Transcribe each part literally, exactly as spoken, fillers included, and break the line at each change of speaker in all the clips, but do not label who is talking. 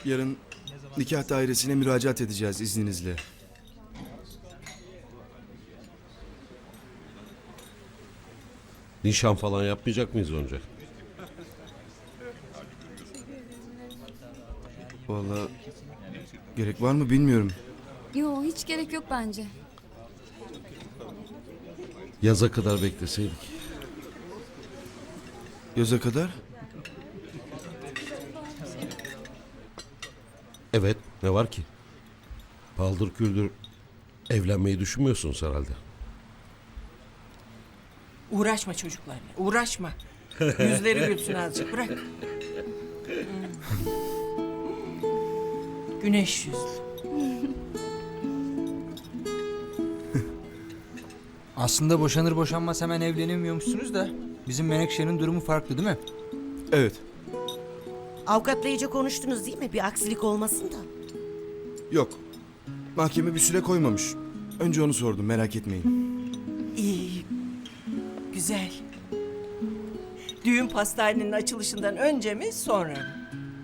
Yarın nikah dairesine müracaat edeceğiz izninizle.
Nişan falan yapmayacak mıyız önce?
Vallahi gerek var mı bilmiyorum.
Yo, hiç gerek yok bence.
Yaza kadar bekleseydik.
Yaza kadar?
Evet, ne var ki? Paldır küldür evlenmeyi düşünmüyorsunuz herhalde.
Uğraşma çocuklarla, uğraşma. Yüzleri gülsün azıcık, bırak. Hmm. Güneş yüzlü.
Aslında boşanır boşanmaz hemen evlenemiyormuşsunuz da bizim Menekşe'nin durumu farklı değil mi?
Evet.
Avukatla iyice konuştunuz değil mi? Bir aksilik olmasın da.
Yok. Mahkeme bir süre koymamış. Önce onu sordum, merak etmeyin.
İyi, güzel. Düğün pastanenin açılışından önce mi, sonra mı?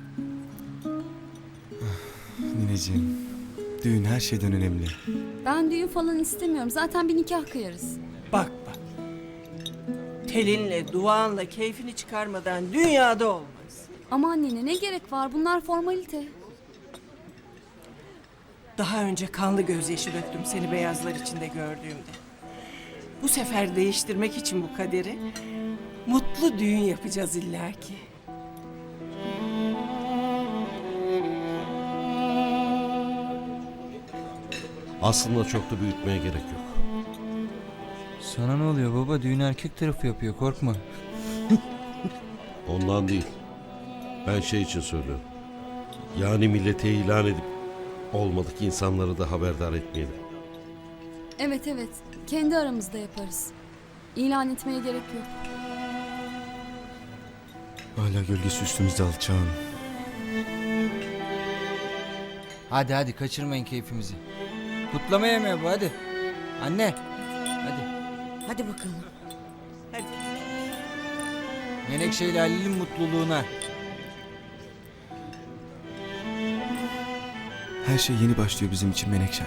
Nineciğim, düğün her şeyden önemli.
Ben düğün falan istemiyorum. Zaten bir nikah kıyarız.
Bak bak. Telinle, duanla keyfini çıkarmadan dünyada olmaz.
Aman nene, ne gerek var? Bunlar formalite.
Daha önce kanlı gözyaşı döktüm seni beyazlar içinde gördüğümde. Bu sefer değiştirmek için bu kaderi mutlu düğün yapacağız illaki.
Aslında çok da büyütmeye gerek yok.
Sana ne oluyor baba? Düğün erkek tarafı yapıyor, korkma.
Ondan değil. Ben şey için söylüyorum. Yani millete ilan edip olmadık insanları da haberdar etmeyelim.
Evet evet. Kendi aramızda yaparız. İlan etmeye gerek yok.
Hala gölgesi üstümüzde alçağın.
Hadi hadi kaçırmayın keyfimizi. Kutlama yemeği bu, hadi. Anne, hadi.
Hadi bakalım.
Hadi.
Menekşe ile Halil'in mutluluğuna.
Her şey yeni başlıyor bizim için Menekşem.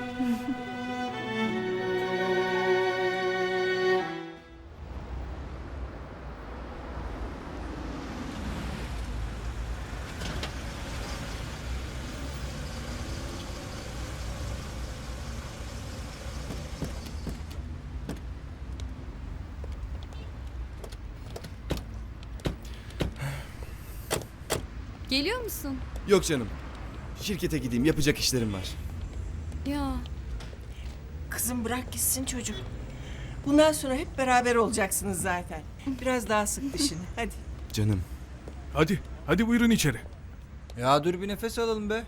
Geliyor musun?
Yok canım. Şirkete gideyim, yapacak işlerim var.
Ya
Kızım bırak gitsin çocuk. Bundan sonra hep beraber olacaksınız zaten. Biraz daha sık dişini. Hadi.
Canım.
Hadi, hadi buyurun içeri.
Ya dur bir nefes alalım be.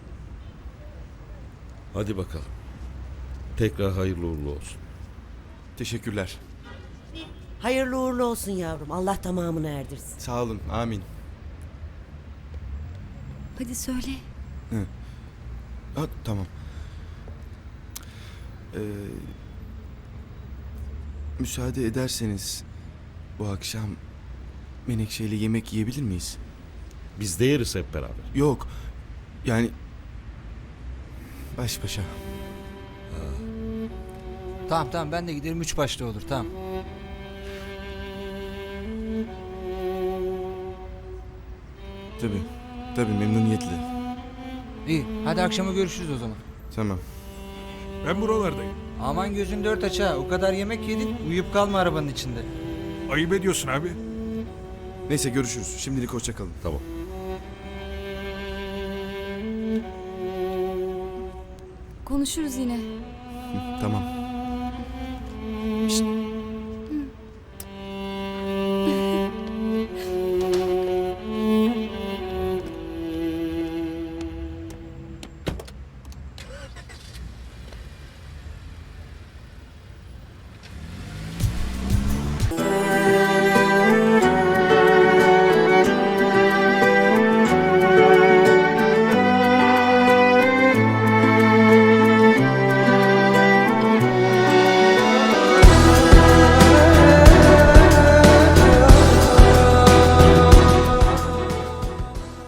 Hadi bakalım. Tekrar hayırlı uğurlu olsun.
Teşekkürler.
Hayırlı uğurlu olsun yavrum. Allah tamamını erdirsin.
Sağ olun, amin.
hadi söyle.
Ha, tamam. Ee, müsaade ederseniz bu akşam Menekşe ile yemek yiyebilir miyiz?
Biz de yeriz hep beraber.
Yok. Yani baş başa.
Tamam tamam ben de giderim, üç başta olur, tamam.
Tabii. Tabii memnuniyetle.
İyi, hadi akşama görüşürüz o zaman.
Tamam.
Ben buralardayım.
Aman gözün dört aç ha, o kadar yemek yedin, uyuyup kalma arabanın içinde.
Ayıp ediyorsun abi.
Neyse görüşürüz. Şimdilik hoşça kalın.
Tamam.
Konuşuruz yine.
Hı, tamam.